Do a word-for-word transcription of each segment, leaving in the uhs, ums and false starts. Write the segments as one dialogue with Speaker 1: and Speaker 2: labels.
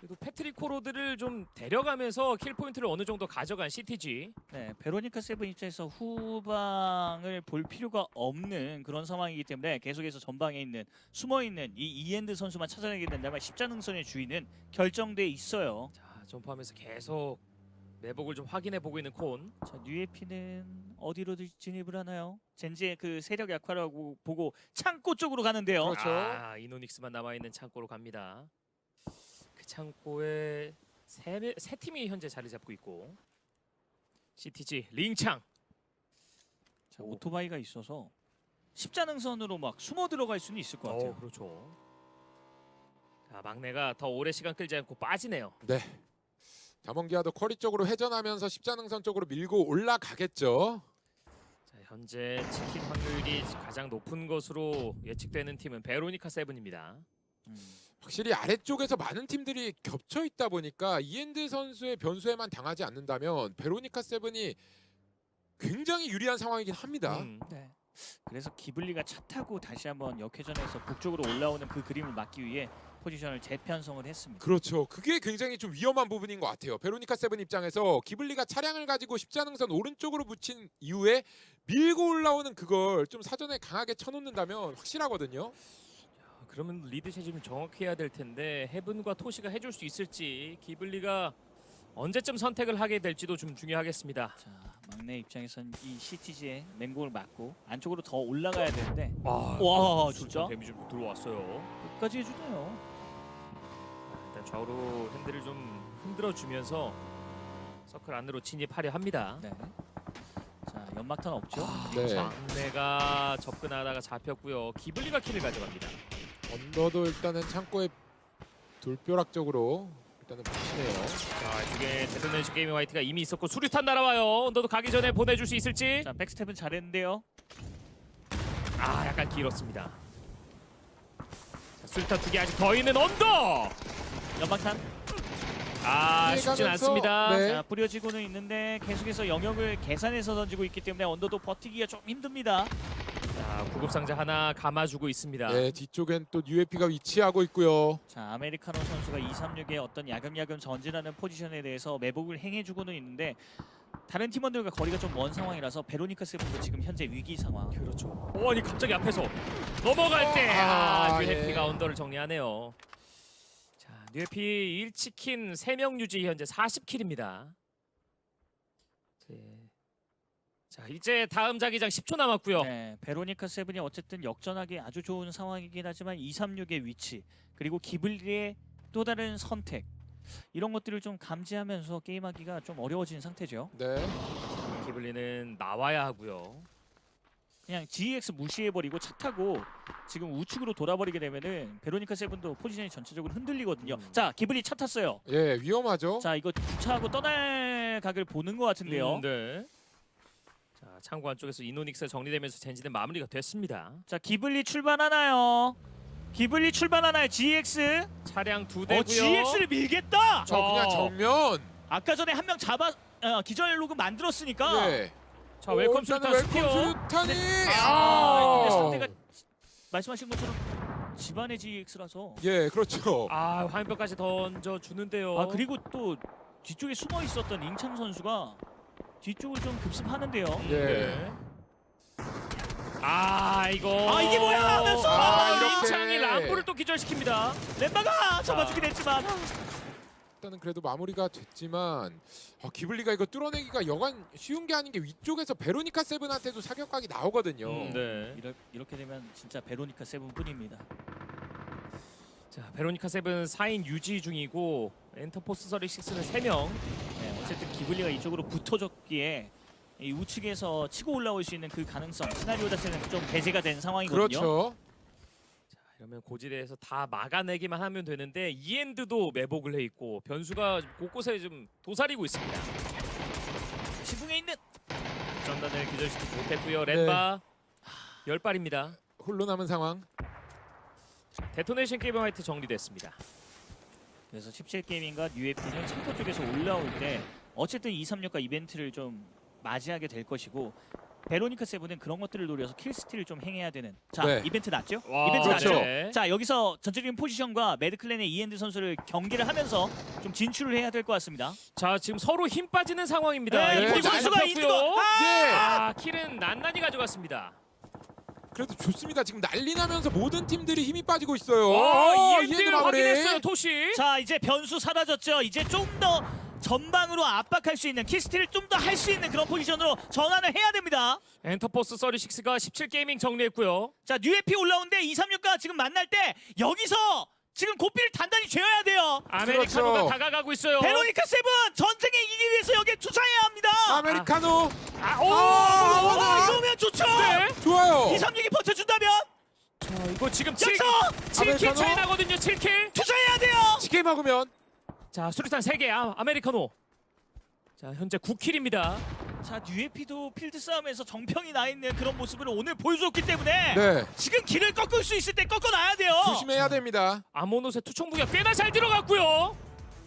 Speaker 1: 그래도 패트릭 코로드를 좀 데려가면서 킬 포인트를 어느 정도 가져간 씨티지.
Speaker 2: 네, 베로니카 세븐 입장에서 후방을 볼 필요가 없는 그런 상황이기 때문에 계속해서 전방에 있는 숨어있는 이 이엔드 선수만 찾아내게 된다면 십자능선의 주인은 결정돼 있어요.
Speaker 1: 자, 점프하면서 계속 매복을 좀 확인해 보고 있는 콘.
Speaker 2: 자, 뉴에피는 어디로 진입을 하나요? 젠지의 그 세력 약화라고 보고 창고 쪽으로 가는데요.
Speaker 3: 그렇죠.
Speaker 1: 아, 이노닉스만 남아 있는 창고로 갑니다. 그 창고에 세, 세 팀이 현재 자리 잡고 있고. 씨티지 링창.
Speaker 2: 자, 오토바이가 있어서 십자능선으로 막 숨어 들어갈 수는 있을 것 같아요.
Speaker 1: 어, 그렇죠. 자, 막내가 더 오래 시간 끌지 않고 빠지네요.
Speaker 3: 네. 자몽기아도 쿼리 쪽으로 회전하면서 십자능선 쪽으로 밀고 올라가겠죠.
Speaker 1: 자, 현재 치킨 확률이 가장 높은 것으로 예측되는 팀은 베로니카 세븐입니다.
Speaker 2: 음.
Speaker 3: 확실히 아래쪽에서 많은 팀들이 겹쳐 있다 보니까 이엔드 선수의 변수에만 당하지 않는다면 베로니카 세븐이 굉장히 유리한 상황이긴 합니다.
Speaker 1: 음.
Speaker 2: 네. 그래서 기블리가 차 타고 다시 한번 역회전해서 북쪽으로 올라오는 그 그림을 막기 위해 포지션을 재편성을 했습니다.
Speaker 3: 그렇죠. 그게 굉장히 좀 위험한 부분인 것 같아요. 베로니카 세븐 입장에서 기블리가 차량을 가지고 십자능선 오른쪽으로 붙인 이후에 밀고 올라오는 그걸 좀 사전에 강하게 쳐놓는다면 확실하거든요.
Speaker 1: 아, 그러면 리드 체집을 정확히 해야 될 텐데 헤븐과 토시가 해줄 수 있을지 기블리가 언제쯤 선택을 하게 될지도 좀 중요하겠습니다.
Speaker 2: 자, 막내 입장에선 이 씨티지의 맹공을 맞고 안쪽으로 더 올라가야 되는데
Speaker 1: 와,
Speaker 2: 와, 진짜?
Speaker 1: 데미지 좀 들어왔어요.
Speaker 2: 끝까지 해주네요.
Speaker 1: 아, 일단 좌우로 핸들을 좀 흔들어 주면서 서클 안으로 진입하려 합니다.
Speaker 2: 네. 자, 연막탄 없죠?
Speaker 3: 네.
Speaker 1: 막내가 접근하다가 잡혔고요. 기블리가 킬을 가져갑니다.
Speaker 3: 언더도 일단은 창고에 돌벼락적으로 일단은 붙이네요.
Speaker 1: 자, 이쪽에 데토네이션 게이밍 화이트가 이미 있었고 수류탄 날아와요. 언더도 가기 전에 보내줄 수 있을지.
Speaker 2: 자, 백스텝은 잘했는데요.
Speaker 1: 아, 약간 길었습니다. 자, 수류탄 두 개 아직 더 있는 언더.
Speaker 2: 연막탄.
Speaker 1: 아, 쉽진
Speaker 3: 피해가면서,
Speaker 1: 않습니다.
Speaker 3: 네.
Speaker 2: 자, 뿌려지고는 있는데 계속해서 영역을 계산해서 던지고 있기 때문에 언더도 버티기가 좀 힘듭니다.
Speaker 1: 자, 구급상자 하나 감아주고 있습니다.
Speaker 3: 네, 뒤쪽엔 또 유에피가 위치하고 있고요.
Speaker 2: 자, 아메리카노 선수가 이삼육의 어떤 야금야금 전진하는 포지션에 대해서 매복을 행해주고는 있는데 다른 팀원들과 거리가 좀 먼 상황이라서 베로니카 세븐도 지금 현재 위기 상황.
Speaker 1: 그렇죠. 오, 아니 갑자기 앞에서 넘어갈 때
Speaker 3: 아,
Speaker 1: 아, 뉴해피가
Speaker 3: 예.
Speaker 1: 언더를 정리하네요. 자, 뉴해피 일 치킨 세 명 유지 현재 사십 킬입니다. 네. 자, 이제 다음 자기장 십 초 남았고요.
Speaker 2: 네, 베로니카 세븐이 어쨌든 역전하기 아주 좋은 상황이긴 하지만 이삼육의 위치 그리고 기블리의 또 다른 선택 이런 것들을 좀 감지하면서 게임하기가 좀 어려워진 상태죠.
Speaker 3: 네.
Speaker 1: 기블리는 나와야 하고요.
Speaker 2: 그냥 지이엑스 무시해버리고 차 타고 지금 우측으로 돌아버리게 되면은 베로니카 세븐도 포지션이 전체적으로 흔들리거든요.
Speaker 1: 음.
Speaker 2: 자, 기블리 차 탔어요.
Speaker 3: 예, 위험하죠.
Speaker 2: 자, 이거 주차하고 떠날 각을 보는 것 같은데요.
Speaker 1: 음, 네. 자, 창고 안쪽에서 이노닉스 정리되면서 젠지는 마무리가 됐습니다.
Speaker 2: 자, 기블리 출발하나요? 기블리 출발하나요? 지이엑스?
Speaker 1: 차량 두 대고요.
Speaker 2: 어, 지이엑스를 밀겠다.
Speaker 3: 저 그냥 정면.
Speaker 2: 아까 전에 한 명 잡아 어, 기절 로그 만들었으니까.
Speaker 3: 예.
Speaker 1: 자, 웰컴
Speaker 3: 오, 일단은
Speaker 1: 수류탄
Speaker 3: 웰컴
Speaker 1: 스피어.
Speaker 3: 수류탄이.
Speaker 2: 아, 근데
Speaker 3: 아.
Speaker 2: 상대가 말씀하신 것처럼 집안의 지이엑스라서.
Speaker 3: 예, 그렇죠.
Speaker 1: 아, 화염병까지 던져 주는데요.
Speaker 2: 아, 그리고 또 뒤쪽에 숨어 있었던 잉창 선수가 뒤쪽을 좀 급습하는데요.
Speaker 3: 예.
Speaker 1: 네. 아, 이거.
Speaker 2: 아, 이게 뭐야 하면서
Speaker 3: 아, 이렇게.
Speaker 1: 임창이 람보를 또 기절시킵니다.
Speaker 2: 렘바가 잡아주긴 했지만.
Speaker 3: 일단은 그래도 마무리가 됐지만 아, 기블리가 이거 뚫어내기가 여간 쉬운 게 아닌 게 위쪽에서 베로니카 세븐한테도 사격각이 나오거든요.
Speaker 1: 음, 네.
Speaker 2: 이렇, 이렇게 되면 진짜 베로니카 세븐뿐입니다.
Speaker 1: 자, 베로니카 세븐 사 인 유지 중이고 엔터포스 서리식스는 세 명.
Speaker 2: 네, 어쨌든 기블리가 이쪽으로 붙어줬기에 이 우측에서 치고 올라올 수 있는 그 가능성 시나리오 자체는 좀 배제가 된 상황이거든요.
Speaker 3: 그렇죠.
Speaker 1: 자, 이러면 고지대에서 다 막아내기만 하면 되는데 이엔드도 매복을 해 있고 변수가 곳곳에 좀 도사리고 있습니다.
Speaker 2: 지붕에 있는
Speaker 1: 전단을 기절시키지 못했고요. 렌바 열 발입니다.
Speaker 3: 홀로 남은 상황.
Speaker 1: 데토네이션 게이밍 화이트 정리됐습니다.
Speaker 2: 그래서 십칠 게이밍과 유에피는 창고 쪽에서 올라올 때 어쨌든 이삼육과 이벤트를 좀 맞이하게 될 것이고 베로니카 세븐은 그런 것들을 노려서 킬스틸을 좀 행해야 되는. 자,
Speaker 3: 네.
Speaker 2: 이벤트 났죠?
Speaker 1: 와,
Speaker 2: 이벤트
Speaker 3: 그렇죠.
Speaker 2: 났죠?
Speaker 1: 네.
Speaker 2: 자, 여기서 전체적인 포지션과 매드클랜의 이엔드 선수를 경기를 하면서 좀 진출을 해야 될 것 같습니다.
Speaker 1: 자, 지금 서로 힘 빠지는 상황입니다.
Speaker 2: 네,
Speaker 3: 네,
Speaker 2: 이 선수가
Speaker 1: 잘
Speaker 2: 인디고.
Speaker 1: 잡혔고요.
Speaker 2: 아!
Speaker 3: 예.
Speaker 1: 아, 킬은 난난이 가져갔습니다.
Speaker 3: 그래도 좋습니다. 지금 난리 나면서 모든 팀들이 힘이 빠지고 있어요.
Speaker 1: 와,
Speaker 3: 어,
Speaker 1: 이엔드
Speaker 3: 이엔드 마무리.
Speaker 1: 확인했어요, 토시.
Speaker 2: 자, 이제 변수 사라졌죠. 이제 좀 더 전방으로 압박할 수 있는 킬스틸을 좀 더 할 수 있는 그런 포지션으로 전환을 해야 됩니다.
Speaker 1: 엔터포스 삼십육가 십칠 게이밍 정리했고요.
Speaker 2: 자, 뉴에피 올라오는데 이삼육과 지금 만날 때 여기서 지금 고삐를 단단히 죄어야 돼요.
Speaker 1: 아메리카노가
Speaker 3: 그렇죠.
Speaker 1: 다가가고 있어요.
Speaker 2: 베로니카 세븐 전쟁에 이기기 위해서 여기에 투자해야 합니다.
Speaker 3: 아메리카노.
Speaker 1: 아, 오!
Speaker 3: 아,
Speaker 2: 와,
Speaker 3: 맞아.
Speaker 2: 이러면 좋죠.
Speaker 1: 네.
Speaker 3: 좋아요.
Speaker 2: 이삼육이 버텨준다면
Speaker 1: 자, 이거 지금 칠,
Speaker 2: 여기서
Speaker 1: 칠 킬
Speaker 3: 아메리카노.
Speaker 1: 차이 나거든요. 칠 킬.
Speaker 2: 투자해야 돼요.
Speaker 3: 치게 먹으면
Speaker 1: 자, 수류탄 세 개. 아, 아메리카노. 자, 현재 구 킬입니다.
Speaker 2: 자, 뉴에피도 필드 싸움에서 정평이 나 있는 그런 모습을 오늘 보여줬기 때문에
Speaker 3: 네.
Speaker 2: 지금 길을 꺾을 수 있을 때 꺾어놔야 돼요.
Speaker 3: 조심해야 됩니다.
Speaker 1: 아모노스의 투척 무기가 꽤나 잘 들어갔고요.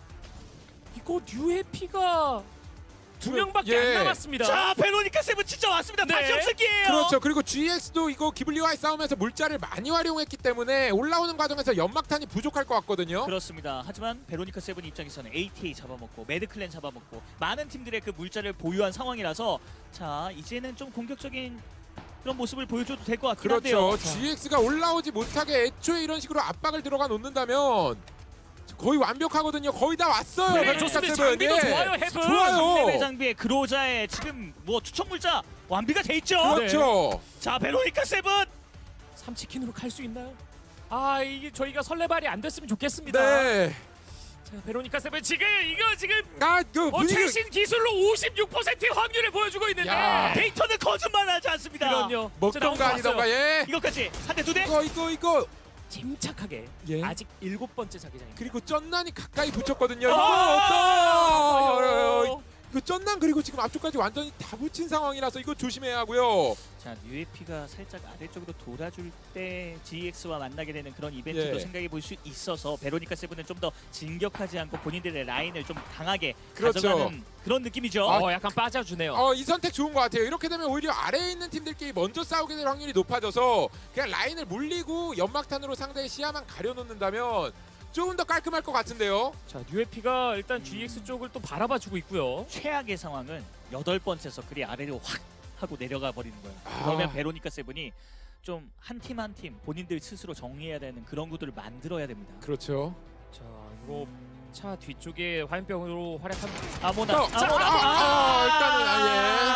Speaker 1: 이거 뉴해피가 두 명밖에
Speaker 3: 예.
Speaker 1: 안 남았습니다.
Speaker 2: 자, 베로니카 세븐 진짜 왔습니다.
Speaker 1: 네.
Speaker 2: 다시 없을 기회예요.
Speaker 3: 그렇죠. 그리고 지엑스도 이거 기블리와의 싸움에서 물자를 많이 활용했기 때문에 올라오는 과정에서 연막탄이 부족할 것 같거든요.
Speaker 2: 그렇습니다. 하지만 베로니카 세븐 입장에서는 에이티에이 잡아먹고 매드클랜 잡아먹고 많은 팀들의 그 물자를 보유한 상황이라서 자, 이제는 좀 공격적인 그런 모습을 보여줘도 될 것 같긴
Speaker 3: 그렇죠.
Speaker 2: 한데요.
Speaker 3: 지엑스가 올라오지 못하게 애초에 이런 식으로 압박을 들어가 놓는다면 거의 완벽하거든요. 거의 다 왔어요.
Speaker 1: 네,
Speaker 3: 베로니카
Speaker 1: 좋습니다.
Speaker 3: 세븐.
Speaker 1: 장비도
Speaker 3: 예.
Speaker 1: 좋아요, 헤븐.
Speaker 2: 레벨
Speaker 3: 좋아요.
Speaker 2: 장비의 그로자의 지금 뭐 투척 물자 완비가 돼 있죠.
Speaker 3: 그렇죠.
Speaker 2: 자, 베로니카 세븐
Speaker 1: 삼치킨으로 갈 수 있나요? 아, 이게 저희가 설레발이 안 됐으면 좋겠습니다.
Speaker 3: 네.
Speaker 1: 자, 베로니카 세븐 지금 이거 지금
Speaker 3: 아, 그
Speaker 1: 어,
Speaker 3: 분위기
Speaker 1: 최신 기술로 오십육 퍼센트의 확률을 보여주고 있는데.
Speaker 3: 야.
Speaker 2: 데이터는 거짓말하지 않습니다.
Speaker 1: 그럼요.
Speaker 3: 먹던가 아니던가 예.
Speaker 2: 이것까지 한 대 두 대.
Speaker 3: 이거 이거 이거
Speaker 1: 침착하게.
Speaker 3: 예.
Speaker 1: 아직 일곱 번째 자기장입니다.
Speaker 3: 그리고 쩐난이 가까이 붙였거든요. 이거
Speaker 1: 아,
Speaker 3: 어떤 이거 쩐난 그리고 지금 앞쪽까지 완전히 다 붙인 상황이라서 이거 조심해야 하고요.
Speaker 2: 자, 뉴에피가 살짝 아래쪽으로 돌아줄 때 지엑스와 만나게 되는 그런 이벤트도
Speaker 3: 예.
Speaker 2: 생각해 볼 수 있어서 베로니카 세븐은 좀 더 진격하지 않고 본인들의 라인을 좀 강하게
Speaker 3: 그렇죠.
Speaker 2: 가져가는 그런 느낌이죠.
Speaker 1: 어, 약간 빠져주네요.
Speaker 3: 어, 이 선택 좋은 것 같아요. 이렇게 되면 오히려 아래에 있는 팀들끼리 먼저 싸우게 될 확률이 높아져서 그냥 라인을 물리고 연막탄으로 상대의 시야만 가려놓는다면 조금 더 깔끔할 것 같은데요.
Speaker 1: 자, 뉴에피가 일단 지엑스 쪽을 또 바라봐주고 있고요.
Speaker 2: 최악의 상황은 여덟 번째 서클이 아래로 확 하고 내려가 버리는 거예요.
Speaker 3: 아.
Speaker 2: 그러면 베로니카 세븐이 좀 한 팀 한 팀 본인들 스스로 정리해야 되는 그런 구도를 만들어야 됩니다.
Speaker 3: 그렇죠.
Speaker 1: 자, 이거 차 뒤쪽에 화염병으로 활약한
Speaker 2: 아모나,
Speaker 3: 어, 자, 아, 아, 일단은, 아, 예.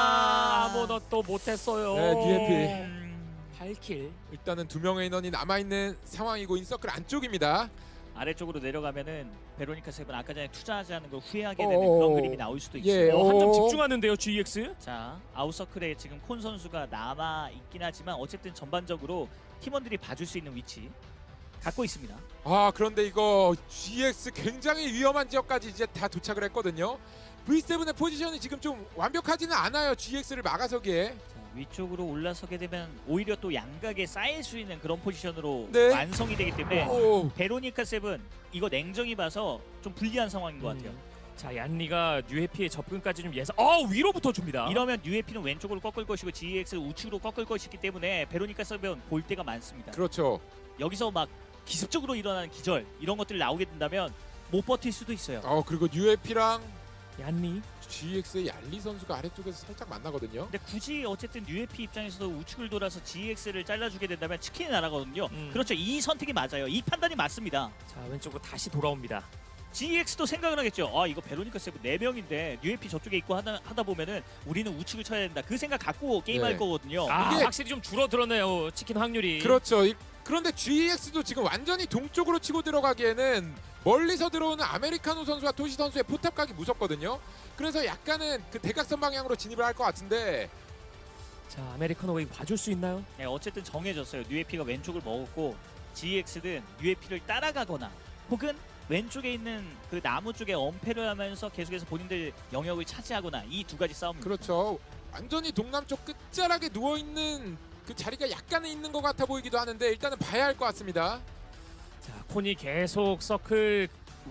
Speaker 2: 아,
Speaker 1: 아무도 또 못했어요.
Speaker 3: 네, 뉴에피.
Speaker 2: 음,
Speaker 1: 팔 킬.
Speaker 3: 일단은 두 명의 인원이 남아 있는 상황이고 인서클 안쪽입니다.
Speaker 2: 아래쪽으로 내려가면은 베로니카 세븐 아까 전에 투자하지 않은 걸 후회하게
Speaker 3: 어,
Speaker 2: 되는
Speaker 3: 어,
Speaker 2: 그런
Speaker 3: 어.
Speaker 2: 그림이 나올 수도
Speaker 3: 예.
Speaker 2: 있어요.
Speaker 1: 어, 한 점
Speaker 3: 오.
Speaker 1: 집중하는데요, 지엑스.
Speaker 2: 자, 아웃서클에 지금 콘 선수가 남아 있긴 하지만 어쨌든 전반적으로 팀원들이 봐줄 수 있는 위치 갖고 있습니다.
Speaker 3: 아, 그런데 이거 지엑스 굉장히 위험한 지역까지 이제 다 도착을 했거든요. 브이 세븐의 포지션이 지금 좀 완벽하지는 않아요. 지엑스를 막아서기에.
Speaker 2: 자, 위쪽으로 올라서게 되면 오히려 또 양각에 쌓일 수 있는 그런 포지션으로
Speaker 3: 네.
Speaker 2: 완성이 되기 때문에
Speaker 3: 오.
Speaker 2: 베로니카 세븐 이거 냉정히 봐서 좀 불리한 상황인 것 같아요.
Speaker 1: 음. 자, 얀리가 뉴해피의 접근까지 좀 예상. 어, 위로부터 줍니다.
Speaker 2: 이러면 뉴에피는 왼쪽으로 꺾을 것이고 지엑스는 우측으로 꺾을 것이기 때문에 베로니카 세븐 볼 때가 많습니다.
Speaker 3: 그렇죠.
Speaker 2: 여기서 막 기습적으로 일어나는 기절 이런 것들이 나오게 된다면 못 버틸 수도 있어요.
Speaker 3: 어, 그리고 유에피랑
Speaker 1: 얀리.
Speaker 3: 지엑스의 얄리 선수가 아래쪽에서 살짝 만나거든요.
Speaker 2: 근데 굳이 어쨌든 뉴에피 입장에서도 우측을 돌아서 지엑스를 잘라주게 된다면 치킨이 날아가거든요.
Speaker 1: 음.
Speaker 2: 그렇죠. 이 선택이 맞아요. 이 판단이 맞습니다.
Speaker 1: 자, 왼쪽으로 다시 돌아옵니다.
Speaker 2: 지엑스도 생각을 하겠죠. 아, 이거 베로니카 세븐 네 명인데 뉴에피 저쪽에 있고 하다, 하다 보면은 우리는 우측을 쳐야 된다. 그 생각 갖고 게임할
Speaker 3: 네.
Speaker 2: 거거든요.
Speaker 1: 아,
Speaker 3: 이게-
Speaker 1: 확실히 좀 줄어들었네요. 치킨 확률이.
Speaker 3: 그렇죠. 이- 그런데 지엑스도 지금 완전히 동쪽으로 치고 들어가기에는 멀리서 들어오는 아메리카노 선수와 토시 선수의 포탑각이 무섭거든요. 그래서 약간은 그 대각선 방향으로 진입을 할 것 같은데
Speaker 1: 자, 아메리카노가 이거 봐줄 수 있나요?
Speaker 2: 네, 어쨌든 정해졌어요. 뉴에피가 왼쪽을 먹었고 지엑스는 뉴에피를 따라가거나 혹은 왼쪽에 있는 그 나무 쪽에 엄폐를 하면서 계속해서 본인들 영역을 차지하거나 이 두 가지 싸움입니다.
Speaker 3: 그렇죠. 완전히 동남쪽 끝자락에 누워 있는 그 자리가 약간은 있는 것 같아 보이기도 하는데 일단은 봐야 할 것 같습니다.
Speaker 1: 자, 콘이 계속 서클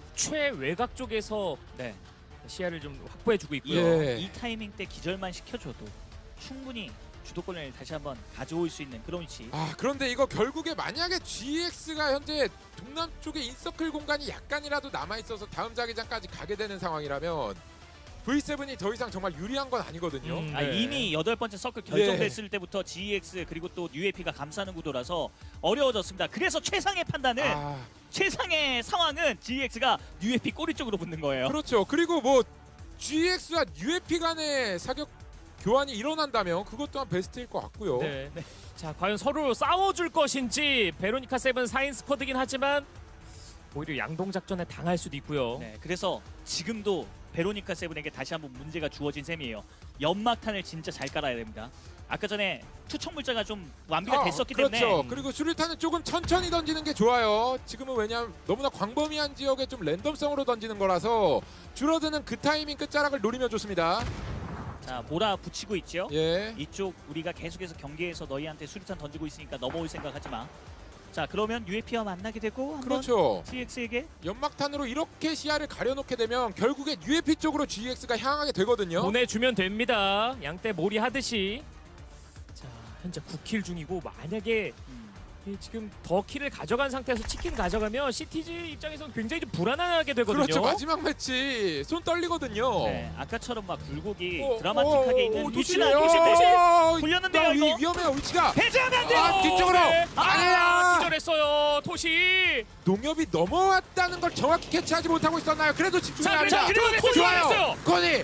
Speaker 1: 최외곽 쪽에서
Speaker 2: 네.
Speaker 1: 시야를 좀 확보해주고 있고요.
Speaker 3: 예.
Speaker 2: 이 타이밍 때 기절만 시켜줘도 충분히 주도권을 다시 한번 가져올 수 있는 그런 위치.
Speaker 3: 아 그런데 이거 결국에 만약에 지엑스가 현재 동남쪽에 인서클 공간이 약간이라도 남아있어서 다음 자기장까지 가게 되는 상황이라면 브이 세븐이 더 이상 정말 유리한 건 아니거든요.
Speaker 1: 음.
Speaker 2: 아,
Speaker 1: 네.
Speaker 2: 이미 여덟 번째 서클 결정됐을 때부터 지이엑스 그리고 또 유에이피가 감싸는 구도라서 어려워졌습니다. 그래서 최상의 판단은
Speaker 3: 아
Speaker 2: 최상의 상황은 지이엑스가 유에이피 꼬리 쪽으로 붙는 거예요.
Speaker 3: 그렇죠. 그리고 뭐 지엑스와 유에피 간의 사격 교환이 일어난다면 그것 또한 베스트일 것 같고요.
Speaker 1: 네. 자, 과연 서로 싸워줄 것인지 베로니카 세븐 사 인 스쿼드긴 하지만 오히려 양동 작전에 당할 수도 있고요.
Speaker 2: 네, 그래서 지금도 베로니카 세븐에게 다시 한번 문제가 주어진 셈이에요. 연막탄을 진짜 잘 깔아야 됩니다. 아까 전에 투척 물자가 좀 완비가
Speaker 3: 아,
Speaker 2: 됐었기
Speaker 3: 그렇죠.
Speaker 2: 때문에
Speaker 3: 그리고 수류탄은 조금 천천히 던지는 게 좋아요. 지금은 왜냐하면 너무나 광범위한 지역에 좀 랜덤성으로 던지는 거라서 줄어드는 그 타이밍 끝자락을 노리면 좋습니다.
Speaker 2: 자 몰아붙이고 있죠.
Speaker 3: 예.
Speaker 2: 이쪽 우리가 계속해서 경기에서 너희한테 수류탄 던지고 있으니까 넘어올 생각하지 마. 자 그러면 유에이피와 만나게 되고 한번
Speaker 3: 그렇죠.
Speaker 2: 지이엑스에게
Speaker 3: 연막탄으로 이렇게 시야를 가려놓게 되면 결국에 유에피 쪽으로 지엑스가 향하게 되거든요.
Speaker 1: 보내주면 됩니다. 양떼 몰이 하듯이. 자, 현재 구 킬 중이고 만약에
Speaker 2: 음,
Speaker 1: 이 지금 더 킬을 가져간 상태에서 치킨 가져가면 시티즈 입장에서는 굉장히 좀 불안하게 되거든요.
Speaker 3: 그렇죠. 마지막 매치 손 떨리거든요.
Speaker 2: 네, 아까처럼 막 굴곡이
Speaker 3: 어,
Speaker 2: 드라마틱하게
Speaker 3: 어,
Speaker 2: 있는
Speaker 3: 어,
Speaker 2: 위치나
Speaker 3: 도시네요.
Speaker 2: 도시 대신
Speaker 3: 어,
Speaker 2: 굴렸는데요,
Speaker 3: 나 위-
Speaker 2: 이거?
Speaker 3: 위험해요 위치가.
Speaker 2: 배제하면 안 돼요.
Speaker 3: 아, 뒤쪽으로.
Speaker 1: 네. 아,
Speaker 3: 아니야.
Speaker 1: 기절했어요. 토시.
Speaker 3: 농협이 넘어왔다는 걸 정확히 캐치하지 못하고 있었나요? 그래도 집중이
Speaker 1: 자,
Speaker 3: 안
Speaker 1: 그래서
Speaker 3: 돼.
Speaker 1: 그리고 토시
Speaker 3: 좋아요.
Speaker 1: 했어요.
Speaker 3: 코니.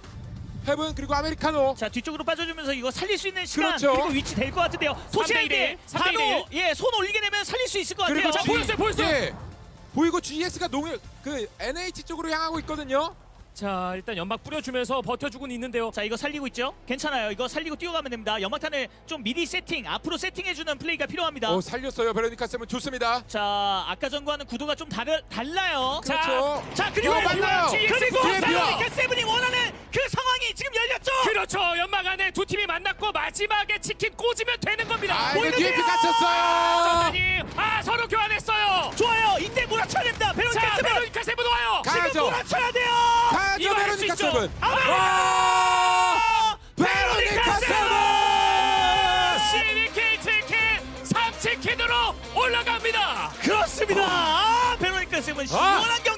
Speaker 3: 헤븐 그리고 아메리카노.
Speaker 2: 자 뒤쪽으로 빠져주면서 이거 살릴 수 있는 시간
Speaker 3: 그렇죠.
Speaker 2: 그리고 위치 될 것 같은데요. 토시에게
Speaker 1: 삼 대 일,
Speaker 2: 바로 예손 올리게 되면 살릴 수 있을 것 같아요.
Speaker 3: 그리고
Speaker 2: 자,
Speaker 3: G-
Speaker 1: 보였어요, 보였어요.
Speaker 3: 예. 보이고 지엑스가 농협 그 엔에이치 쪽으로 향하고 있거든요.
Speaker 1: 자, 일단 연막 뿌려주면서 버텨주고는 있는데요.
Speaker 2: 자 이거 살리고 있죠? 괜찮아요. 이거 살리고 뛰어가면 됩니다. 연막탄을 좀 미리 세팅, 앞으로 세팅해주는 플레이가 필요합니다.
Speaker 3: 오 살렸어요. 베로니카 쌤은 좋습니다.
Speaker 2: 자 아까 전과는 구도가 좀 다르, 달라요.
Speaker 1: 자,
Speaker 3: 그렇죠.
Speaker 2: 자 그리고
Speaker 3: 이거 맞나요?
Speaker 2: 그리고
Speaker 3: 뒤에 비와.
Speaker 2: 베로니카 세븐이 원하는 그 상황이 지금 열렸죠.
Speaker 1: 그렇죠. 연막 안에 두 팀이 만났고 마지막에 치킨 꽂으면 되는 겁니다.
Speaker 3: 아 이거
Speaker 2: 보이는데요?
Speaker 3: 디에피 갇혔어요.
Speaker 1: 전단이 아 서로 교환했어요.
Speaker 2: 좋아요. 이때 몰아쳐야 됩니다. 베로니카
Speaker 1: 자,
Speaker 2: 세븐
Speaker 1: 베로니카 세븐 와요.
Speaker 2: 지금
Speaker 3: 가야죠.
Speaker 2: 몰아쳐야 돼요.
Speaker 3: 가야죠
Speaker 1: 이거 할수
Speaker 3: 베로니카
Speaker 1: 있죠.
Speaker 3: 세븐.
Speaker 2: 아메리카!
Speaker 3: 와! 베로니카 세븐.
Speaker 1: 씨비케이 치킨 삼 치킨으로 올라갑니다.
Speaker 2: 그렇습니다. 아, 베로니카 세븐 시원한 경기.